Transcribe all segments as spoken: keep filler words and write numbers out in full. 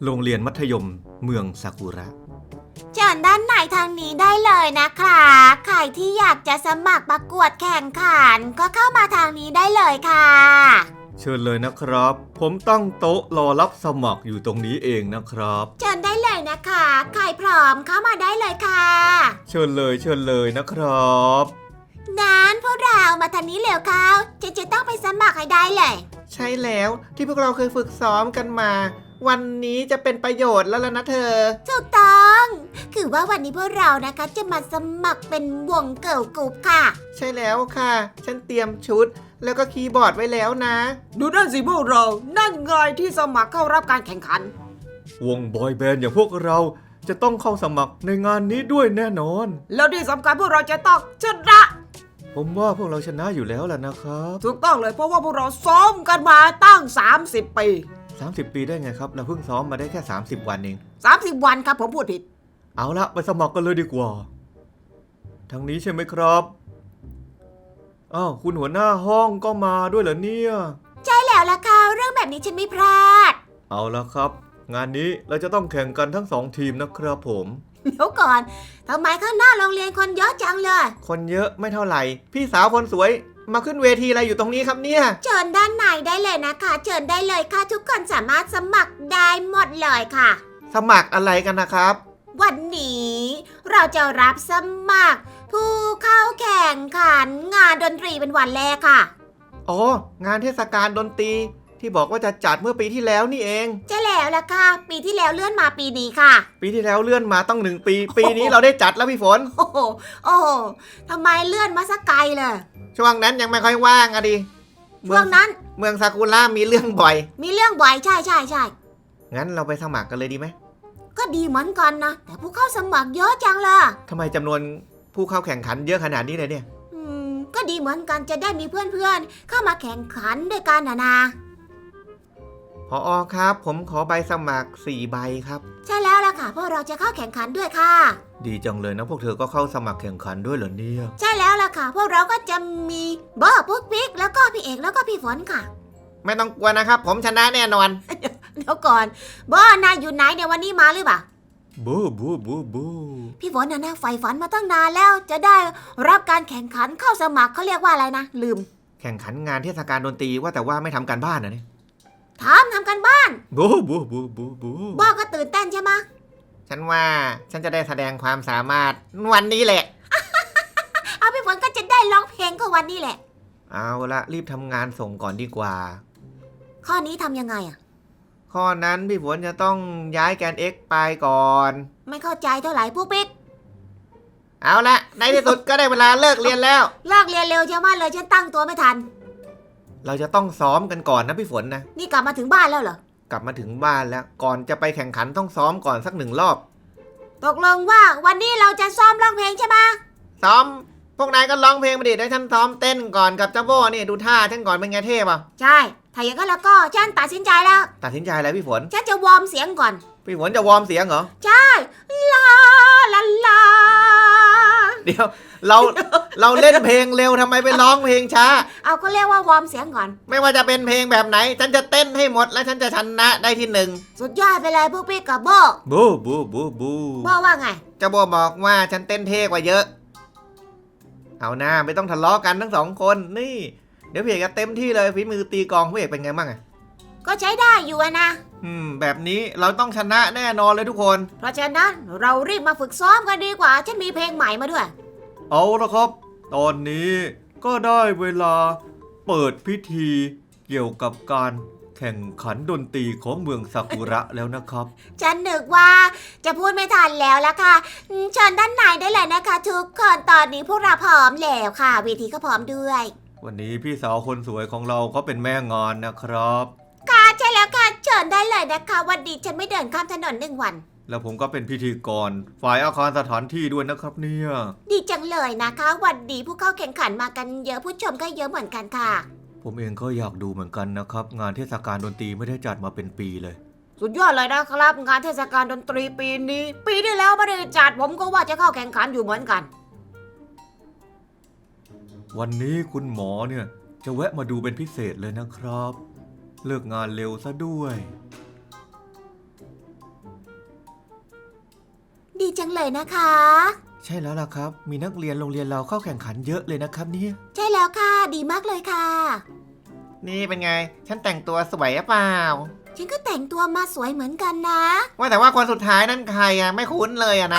โรงเรียนมัธยมเมืองซากุระเชิญด้านในทางนี้ได้เลยนะคะใครที่อยากจะสมัครประกวดแข่งขันก็เข้ามาทางนี้ได้เลยค่ะเชิญเลยนะครับผมตั้งโต๊ะรอรับสมัครอยู่ตรงนี้เองนะครับเชิญได้เลยนะคะใครพร้อมเข้ามาได้เลยค่ะเชิญเลยเชิญเลยนะครับนั้นพวกเรามาทางนี้เร็วเข้าจะจะต้องไปสมัครให้ได้เลยใช่แล้วที่พวกเราเคยฝึกซ้อมกันมาวันนี้จะเป็นประโยชน์แล้วล่ะนะเธอถูกต้องคือว่าวันนี้พวกเรานะคะจะมาสมัครเป็นวงเกิร์ลกรุ๊ปค่ะใช่แล้วค่ะฉันเตรียมชุดแล้วก็คีย์บอร์ดไว้แล้วนะดูนั่นสิพวกเรานั่นไงที่สมัครเข้ารับการแข่งขันวงบอยแบนด์อย่างพวกเราจะต้องเข้าสมัครในงานนี้ด้วยแน่นอนแล้วที่สำคัญพวกเราจะต้องชนะผมว่าพวกเราชนะอยู่แล้วล่ะนะครับถูกต้องเลยเพราะว่าพวกเราซ้อมกันมาตั้งสามสิบปีสามสิบปีได้ไงครับเราเพิ่งซ้อมมาได้แค่สามสิบวันเองสามสิบวันครับผมพูดผิดเอาละไปสมัครกันเลยดีกว่าทางนี้ใช่ไหมครับอ้าวคุณหัวหน้าห้องก็มาด้วยเหรอเนี่ยใช่แล้วล่ะค่ะเรื่องแบบนี้ฉันไม่พลาดเอาละครับงานนี้เราจะต้องแข่งกันทั้งสองทีมนะครับผมเดี๋ยวก่อนทำไมข้างหน้าโรงเรียนคนเยอะจังเลยคนเยอะไม่เท่าไหร่พี่สาวคนสวยมาขึ้นเวทีอะไรอยู่ตรงนี้ครับเนี่ยเชิญด้านในได้เลยนะคะเชิญได้เลยค่ะทุกคนสามารถสมัครได้หมดเลยค่ะสมัครอะไรกันนะครับวันนี้เราจะรับสมัครผู้เข้าแข่งขันงานดนตรีเป็นวันแรกค่ะอ๋องานเทศกาลดนตรีที่บอกว่าจะจัดเมื่อปีที่แล้วนี่เองใช่แล้วล่ะค่ะปีที่แล้วเลื่อนมาปีนี้ค่ะปีที่แล้วเลื่อนมาต้องหนึ่งปีปีนี้เราได้จัดแล้วพี่ฝนโอ้โหโอ้โหทำไมเลื่อนมาสักไกลเลยช่วงนั้นยังไม่ค่อยว่างอะดิช่วงนั้นเมืองซากุระมีเรื่องบ่อยมีเรื่องบ่อยใช่ใช่ใช่งั้นเราไปสมัครกันเลยดีไหมก็ดีเหมือนกันนะแต่ผู้เข้าสมัครเยอะจังเลยทำไมจำนวนผู้เข้าแข่งขันเยอะขนาดนี้เลยเนี่ยอืมก็ดีเหมือนกันจะได้มีเพื่อนๆเข้ามาแข่งขันด้วยกันนะนะผอ.ครับผมขอใบสมัครสี่ใบครับใช่แล้วล่ะค่ะพวกเราจะเข้าแข่งขันด้วยค่ะดีจังเลยนะพวกเธอก็เข้าสมัครแข่งขันด้วยเหรอเนี่ยใช่แล้วล่ะค่ะพวกเราก็จะมีเบอร์ปุ๊กปิ๊กแล้วก็พี่เอกแล้วก็พี่ฝนค่ะไม่ต้องกลัวนะครับผมชนะแน่นอนเดี๋ยวก่อนเบอร์นายอยู่ไหนเดี๋ยววันนี้มาหรือเปล่าบูบูบูบูพี่ฝนน่ะนะใฝ่ฝันมาตั้งนานแล้วจะได้รับการแข่งขันเข้าสมัครเขาเรียกว่าอะไรนะลืมแข่งขันงานเทศกาลดนตรีว่าแต่ว่าไม่ทำการบ้านนะเนี่ยทำทำกันบ้านบูบูบูบูบูบ้าก็ตื่นเต้นใช่ไหมฉันว่าฉันจะได้แสดงความสามารถวันนี้แหละเอาพี่ฝนก็จะได้ร้องเพลงก็วันนี้แหละเอาละรีบทำงานส่งก่อนดีกว่าข้อนี้ทำยังไงอ่ะข้อนั้นพี่ฝนจะต้องย้ายแกน x ไปก่อนไม่เข้าใจเท่าไหร่พวกปิ๊กเอาละในที่สุดก็ได้เวลาเลิกเรียนแล้วเลิกเรียนเร็วจังว่าเลยฉันตั้งตัวไม่ทันเราจะต้องซ้อมกันก่อนนะพี่ฝนนะนี่กลับมาถึงบ้านแล้วเหรอกลับมาถึงบ้านแล้วก่อนจะไปแข่งขันต้องซ้อมก่อนสักหนึ่งรอบตกลงว่าวันนี้เราจะซ้อมร้องเพลงใช่ไหมซ้อมพวกนายก็ร้องเพลงมาดิได้ฉันซ้อมเต้นก่อนกับเจ้าโบ้นี่ดูท่าฉันก่อนเป็นไงเท่ป่ะใช่ถ้าอย่างนั้นแล้วก็ฉันตัดสินใจแล้วตัดสินใจอะไรพี่ฝนฉันจะวอร์มเสียงก่อนพี่ฝนจะวอร์มเสียงเหรอใช่ลาลาลาเดี๋ยวเราเราเล่นเพลงเร็วทำไมไปร้องเพลงช้าเอาก็เรียกว่าวอร์มเสียงก่อนไม่ว่าจะเป็นเพลงแบบไหนฉันจะเต้นให้หมดและฉันจะชนะได้ที่หนึ่งสุดยอดไปเลยพวกพี่กับโบบูบูบูบูโบว่าไงเจ้าโบบอกว่าฉันเต้นเท่กว่าเยอะเอาหน้าไม่ต้องทะเลาะกันทั้งสองคนนี่เดี๋ยวพี่เอกจะเต็มที่เลยฝีมือตีกลองพี่เอกเป็นไงบ้างอะก็ใช้ได้อยู่นะอืมแบบนี้เราต้องชนะแน่นอนเลยทุกคนเพราะฉะนั้นเรารีบมาฝึกซ้อมกันดีกว่าฉันมีเพลงใหม่มาด้วยเอาละครับตอนนี้ก็ได้เวลาเปิดพิธีเกี่ยวกับการแข่งขันดนตรีของเมืองซากุระแล้วนะครับฉันนึกว่าจะพูดไม่ทันแล้วละค่ะเชิญด้านในได้เลยนะคะทุกคนตอนนี้พวกเราพร้อมแล้วค่ะเวทีก็พร้อมด้วยวันนี้พี่สาวคนสวยของเราเขาเป็นแม่งานนะครับค่ะใช่แล้วค่ะเชิญได้เลยนะคะวันนี้ฉันไม่เดินข้ามถนนหนึ่งวันแล้วผมก็เป็นพิธีกรฝ่ายอาคารสถานที่ด้วยนะครับเนี่ยดีจังเลยนะคะวันนี้ผู้เข้าแข่งขันมากันเยอะผู้ชมก็เยอะเหมือนกันค่ะผมเองก็อยากดูเหมือนกันนะครับงานเทศกาลดนตรีไม่ได้จัดมาเป็นปีเลยสุดยอดเลยนะครับงานเทศกาลดนตรีปีนี้ปีที่แล้วไม่ได้จัดผมก็ว่าจะเข้าแข่งขันอยู่เหมือนกันวันนี้คุณหมอเนี่ยจะแวะมาดูเป็นพิเศษเลยนะครับเลิกงานเร็วซะด้วยดีจังเลยนะคะใช่แล้วล่ะครับ มีนักเรียนโรงเรียนเราเข้าแข่งขันเยอะเลยนะครับเนี่ยใช่แล้วค่ะ ดีมากเลยค่ะนี่เป็นไง ฉันแต่งตัวสวยหรือเปล่าฉันก็แต่งตัวมาสวยเหมือนกันนะว่าแต่ว่าคนสุดท้ายนั่นใครอะไม่คุ้นเลยอะนะ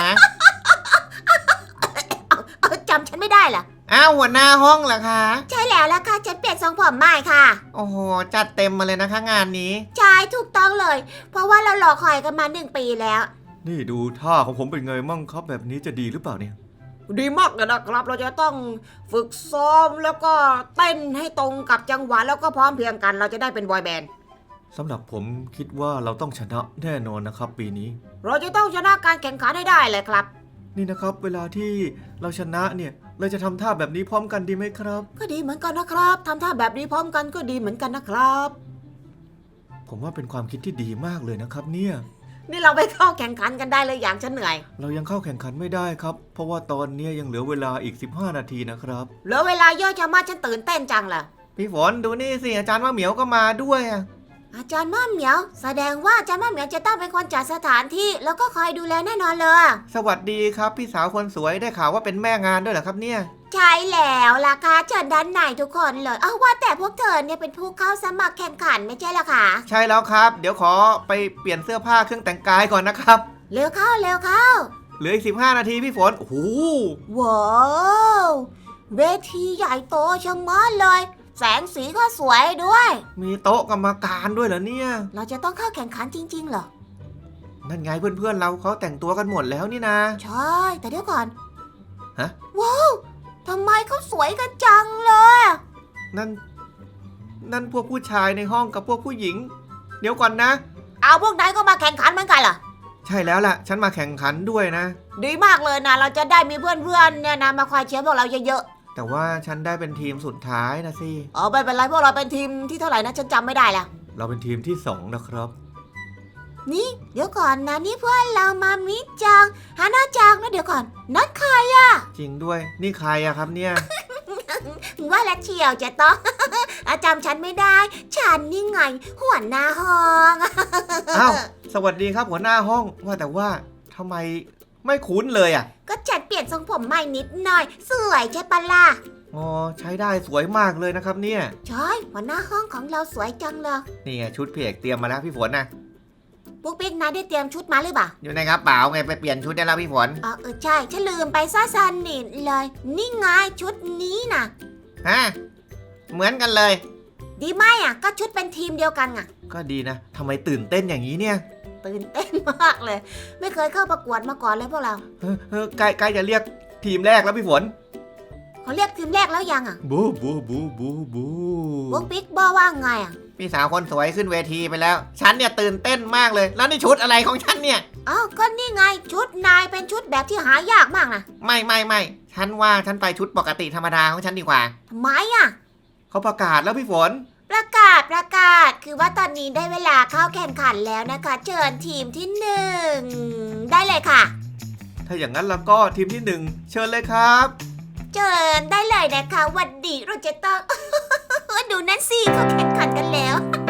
เออจำฉันไม่ได้เหรออ้าวหัวหน้าห้องเหรอคะใช่แล้วล่ะค่ะฉันเปลี่ยนทรงผมใหม่ค่ะโอ้โหจัดเต็มมาเลยนะคะงานนี้ใช่ถูกต้องเลย เพราะว่าเรารอคอยกันมาหนึ่งปีแล้วนี่ดูท่าของผมเป็นไงมั่งครับแบบนี้จะดีหรือเปล่าเนี่ยดีมากเลยนะครับ เราจะต้องฝึกซ้อมแล้วก็เต้นให้ตรงกับจังหวะแล้วก็พร้อมเพรียงกัน เราจะได้เป็นบอยแบนด์สำหรับผมคิดว่าเราต้องชนะแน่นอนนะครับ ปีนี้เราจะต้องชนะการแข่งขันให้ได้เลยครับนี่นะครับ เวลาที่เราชนะเนี่ยเราจะทำท่าแบบนี้พร้อมกันดีไหมครับก็ดีเหมือนกันนะครับทำท่าแบบนี้พร้อมกันก็ดีเหมือนกันนะครับผมว่าเป็นความคิดที่ดีมากเลยนะครับเนี่ยนี่เราไปเข้าแข่งขันกันได้เลยอย่างฉันเหนื่อยเรายังเข้าแข่งขันไม่ได้ครับ เพราะว่าตอนนี้ยังเหลือเวลาอีกสิบห้านาทีนะครับเหลือเวลาเยอะจะมากฉันตื่นเต้นจังเลยพี่ฝนดูนี่สิอาจารย์ว่าเหมียวก็มาด้วยอะอาจารย์ม่าเหมียว แสดงว่าอาจารย์ม่าเหมียวจะต้องเป็นคนจัดสถานที่แล้วก็คอยดูแลแน่นอนเลยสวัสดีครับพี่สาวคนสวยได้ข่าวว่าเป็นแม่งานด้วยเหรอครับเนี่ยใช่แล้วล่ะค่ะเชิญด้านในทุกคนเลยเอาว่าแต่พวกเธอเนี่ยเป็นผู้เข้าสมัครแข่งขันไม่ใช่เหรอคะใช่แล้วครับ เดี๋ยวขอไปเปลี่ยนเสื้อผ้าเครื่องแต่งกายก่อนนะครับเร็วเข้าเร็วเข้าเหลืออีกสิบห้านาทีพี่ฝนโอ้โหว้าวเวทีใหญ่โตชะมัดเลย แสงสีก็สวยด้วยมีโต๊ะกรรมการด้วยเหรอเนี่ยเราจะต้องเข้าแข่งขันจริงๆเหรอนั่นไงเพื่อนๆเราเขาแต่งตัวกันหมดแล้วนี่นะใช่ แต่เดี๋ยวก่อนฮะว้าวทำไมเขาสวยกันจังเลยนั่น นั่นพวกผู้ชายในห้องกับพวกผู้หญิง เดี๋ยวก่อนนะเอาพวกนายก็มาแข่งขันเหมือนกันเหรอใช่แล้วล่ะ ฉันมาแข่งขันด้วยนะดีมากเลยนะ เราจะได้มีเพื่อนๆเนี่ยนะมาคอยเชียร์พวกเราเยอะแต่ว่าฉันได้เป็นทีมสุดท้ายนะสิๆอ๋อไม่เป็นไรพวกเราเป็นทีมที่เท่าไหร่นะฉันจำไม่ได้แล้วเราเป็นทีมที่สองนะครับนี่เดี๋ยวก่อนนะนี่เพื่อนเรามามิจังฮานาจังนะเดี๋ยวก่อนนั่นใครจริงด้วย นี่ใครอะครับเนี่ยว่าและเชียวจะต้อง อาจำฉันไม่ได้ ฉันนี่ไงหัวหน้าห้องอ้าว สวัสดีครับหัวหน้าห้อง ว่าแต่ว่าทำไมไม่คุ้นเลยอะก็ฉันเปลี่ยนทรงผมใหม่นิดหน่อย สวยใช่ปะล่ะอ๋อ ใช้ได้สวยมากเลยนะครับเนี่ยใช่หัวหน้าห้องของเราสวยจังเลยนี่ไงชุดพี่เอกเตรียมมาแล้วพี่ฝนนะปุ๊กปิ๊กนายได้เตรียมชุดมาหรือเปล่าอยู่ในกระเป๋าไงไปเปลี่ยนชุดได้แล้วพี่ฝนอ๋อเออใช่ฉันลืมไปซะสนิทเลย นี่ไงชุดนี้นะฮะ เหมือนกันเลยดีไหมอ่ะก็ชุดเป็นทีมเดียวกันอ่ะก็ดีนะทำไมตื่นเต้นอย่างนี้เนี่ยตื่นเต้นมากเลย ไม่เคยเข้าประกวดมาก่อนเลยพวกเราเฮ้ยเฮ้ยใกล้ใกล้จะเรียกทีมแรกแล้วพี่ฝนเขาเรียกทีมแรกแล้วยังอ่ะบูบูบูบูบูปุ๊กปิ๊กบอกว่าไงอ่ะพี่สาวคนสวยขึ้นเวทีไปแล้ว ฉันเนี่ยตื่นเต้นมากเลย แล้วนี่ชุดอะไรของฉันเนี่ยอ้าวก็นี่ไงชุดนายเป็นชุดแบบที่หายากมากนะไม่ไม่ไม่ฉันว่าฉันไปชุดปกติธรรมดาของฉันดีกว่าทำไมอ่ะเขาประกาศแล้วพี่ฝนประกาศประกาศคือว่าตอนนี้ได้เวลาเข้าแข่งขันแล้วนะคะ เชิญทีมที่หนึ่งได้เลยค่ะถ้าอย่างนั้นแล้วก็ทีมที่หนึ่งเชิญเลยครับเชิญได้เลยนะคะหวันดีเราจะต้อง ดูนั่นสิเขาแข่งขันกันแล้ว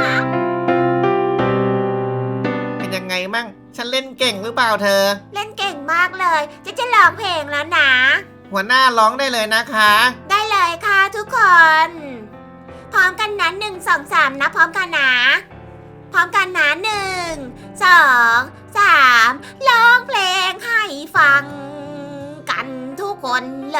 เป็นยังไงมั่ง ฉันเล่นเก่งหรือเปล่าเธอเล่นเก่งมากเลย จะจะร้องเพลงแล้วนะหัวหน้าร้องได้เลยนะคะได้เลยค่ะทุกคน พร้อมกันนะหนึ่งสองสามนะพร้อมกันนะ พร้อมกันนะหนึ่งสองสามร้องเพลงให้ฟังกันทุกคนเลย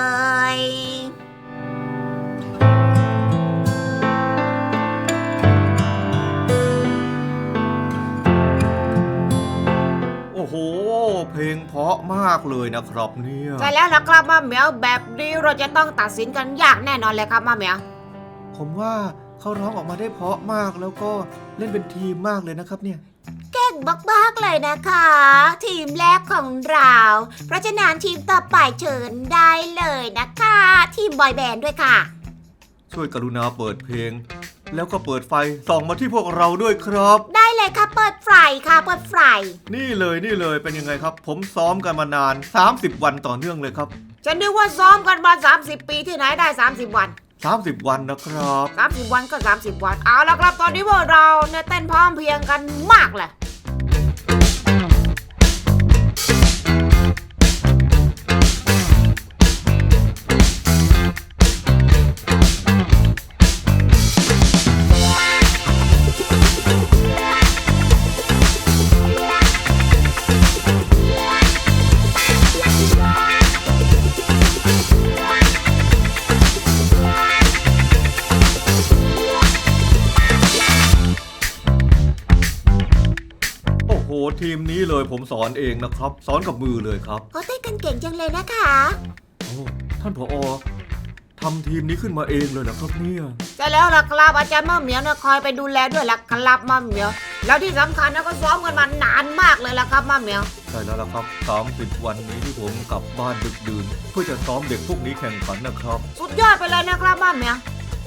โอ้โห เพลงเพราะมากเลยนะครับเนี่ยใช่แล้วล่ะครับมาเหมียวแบบนี้เราจะต้องตัดสินกันยากแน่นอนเลยครับมาเหมียวผมว่าเขาร้องออกมาได้เพราะมากแล้วก็เล่นเป็นทีมมากเลยนะครับเนี่ยเก่งมากๆเลยนะคะ ทีมแรกของเรา เพราะฉะนั้นทีมต่อไปเชิญได้เลยนะคะ ทีมบอยแบนด์ด้วยค่ะช่วยกรุณาเปิดเพลง แล้วก็เปิดไฟส่องมาที่พวกเราด้วยครับได้เลยค่ะเปิดไฟค่ะเปิดไฟนี่เลยนี่เลยเป็นยังไงครับ ผมซ้อมกันมานานสามสิบวันต่อเนื่องเลยครับฉันนึกว่าซ้อมกันมาสามสิบปีที่ไหนได้สามสิบวันสามสิบวันนะครับสามสิบวันก็สามสิบวัน เอาละครับตอนนี้พวกเราเนี่ยเต้นพร้อมเพรียงกันมากเลยโหทีมนี้เลยผมสอนเองนะครับ สอนกับมือเลยครับเขาเต้นกันเก่งจังเลยนะคะโอ้ท่านผอทำทีมนี้ขึ้นมาเองเลยนะครับเนี่ยใช่แล้วล่ะครับอาจารย์มะเหมียวนะคอยไปดูแลด้วยล่ะครับมะเหมียว แล้วที่สำคัญนะก็ซ้อมกันมานานมากเลยล่ะครับมะเหมียวใช่แล้วล่ะครับสามสิบวันนี้ที่ผมกลับบ้านดึกดื่นเพื่อจะซ้อมเด็กพวกนี้แข่งขันนะครับสุดยอดไปเลยนะครับมะเหมียว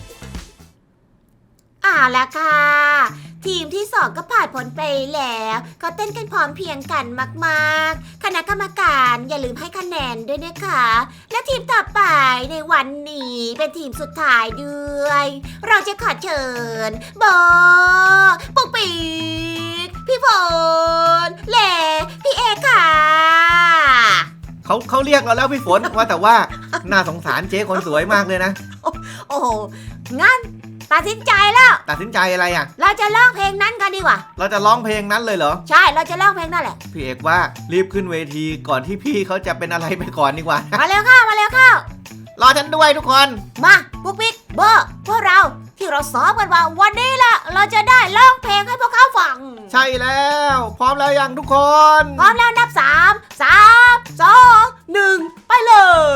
อ่าละค่ะ ทีมที่สองก็ผ่านผลไปแล้วเขาเต้นกันพร้อมเพรียงกันมากๆ คณะกรรมการอย่าลืมให้คะแนนด้วยนะคะ และทีมต่อไปในวันนี้เป็นทีมสุดท้ายด้วย เราจะขอเชิญโบปุ๊กปิ๊กพี่ฝนและพี่เอค่ะเขาเขาเรียกเราแล้วพี่ฝน ว่าแต่ว่าน่าสงสารเจ๊คนสวยมากเลยนะโอ้โห งั้นตัดสินใจแล้วตัดสินใจอะไรอ่ะเราจะร้องเพลงนั้นกันดีกว่าเราจะร้องเพลงนั้นเลยเหรอใช่ เราจะร้องเพลงนั่นแหละพี่เอกว่ารีบขึ้นเวทีก่อนที่พี่เขาจะเป็นอะไรไปก่อนดีกว่ามาเร็วเข้า มาเร็วเข้ารอฉันด้วยทุกคนมาปุ๊กปิ๊กเบอร์พวกเราที่เราซ้อมกันว่าวันนี้ล่ะ เราจะได้ร้องเพลงให้พวกเขาฟังใช่แล้ว พร้อมแล้วยังทุกคนพร้อมแล้วนับสามสามสองหนึ่งไปเลย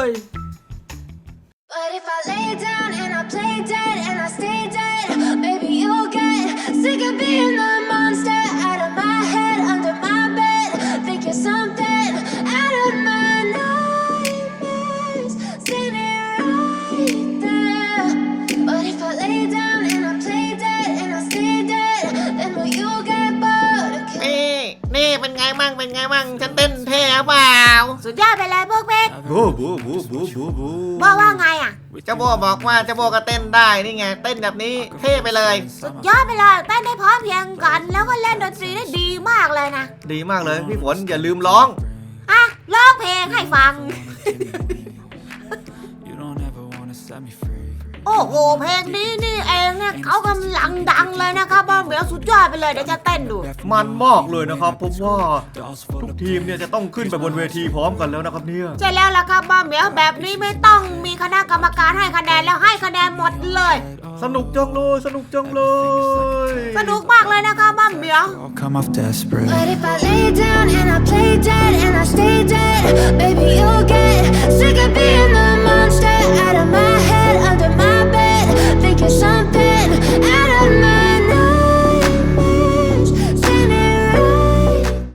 But if I lay down and I play dead and I stay dead, maybe you'll get sick of being the monster out of my head, under my bed. Think you're something out of my nightmares, standing right there. But if I lay down and I play dead and I stay dead, then will you get bored of killing? นี่นี่เป็นไงมั่งเป็นไงมั่งฉันเต้นเท่เปล่าสุดยอดไปเลยพวกปิ๊กบูบูบูบูบูบูบอกว่าไงอ่ะเจ้าโบบอกว่าเจ้าโบก็เต้นได้นี่ไงเต้นแบบนี้เท่ไปเลยสุดยอดไปเลยเต้นได้พร้อมเพรียงกัน แล้วก็เล่นดนตรีได้ดีมากเลยนะดีมากเลยพี่ฝนอย่าลืมร้องอ่ะร้องเพลงให้ฟัง You don't ever wanna set me free. โอ้โห เพลงนี้นี่เองเนี่ยเขากำลังดังเลยนะครับบ้าเหมียวสุดยอดไปเลยเดี๋ยวจะเต้นดูมันมากเลยนะครับผมว่าทุกทีมเนี่ยจะต้องขึ้นไปบนเวทีพร้อมกันแล้วนะครับเนี่ยใช่แล้วล่ะครับบ้าเหมียวแบบนี้ไม่ต้องมีคณะกรรมการให้คะแนนแล้วให้คะแนนหมดเลยสนุกจังเลยสนุกจังเลยสนุกมากเลยนะครับบ้าเหมียว I'll come off desperate. But if I lay down and I play dead and I stay dead,